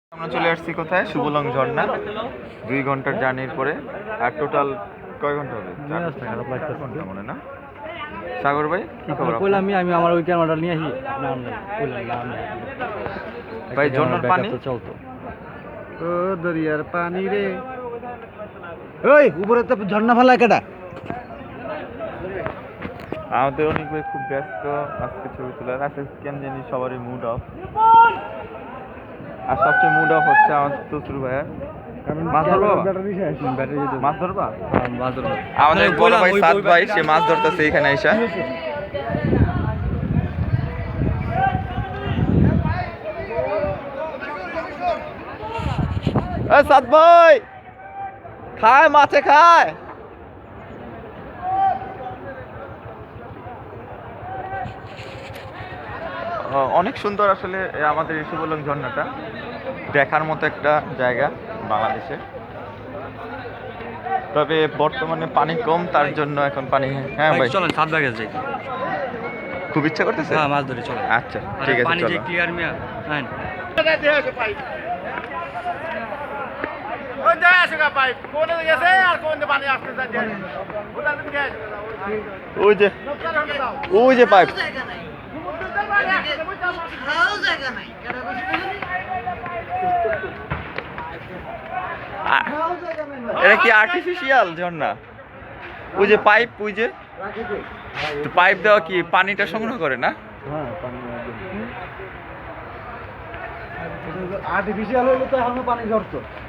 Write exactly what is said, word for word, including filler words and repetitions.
আমরা চলে আসছি কোথায়? শুভলং ঝর্ণা। দুই ঘন্টার জার্নির পরে। আর টোটাল কয় ঘন্টা হবে? ঘন্টা মনে না? সাগর ভাই কি খবর? কইলাম আমি আমি আমার ওই ক্যামেরাটা নিয়ে আসি ভাই ঝর্ণার পানি চলতো ও দরিয়ার পানি রে। ওই উপরে তো ঝর্ণা ফেলা কেটা? আমাদের অনেক ভাই খুব ব্যস্ত আজকে ছবি তোলার। আজকে কেন জানি সবারই মুড অফ। আর সবচেয়ে মুড অফ হচ্ছে আমার তসরু ভাইয়ার। মাছ ধরবো? মাছ ধরবা? আমাদের বড় ভাই সাদ ভাই সে মাছ ধরতেছে এখানে এসে। সাদ ভাই খায়, মাছে খায়। অনেক সুন্দর আসলে আমাদের এই শুভলং ঝর্ণাটা, দেখার মতো একটা জায়গা বাংলাদেশে। তবে বর্তমানে পানি কম, তার জন্য এখন পানি। হ্যাঁ ভাই চলেন সাত ভাগে যাই, খুব ইচ্ছা করতেছে। হ্যাঁ মাছ ধরে চলো। আচ্ছা ঠিক আছে, পানি যে চলো। ক্লিয়ার মিয়া। হ্যাঁ কোন জায়গায় আছে গা পাইপ? কোন গেছে আর কোন পানি আসতে যাচ্ছে? ওটা তুমি কে আছে? ওই যে ওই যে পাইপ। এটা কি আর্টিফিশিয়াল ঝর্ণা? ওই যে পাইপ, ওই যে পাইপ দেওয়া কি পানিটা সংগ্রহ করে না? হ্যাঁ পানি আর্টিফিশিয়াল হইলে তো এখন পানি ঝরতো।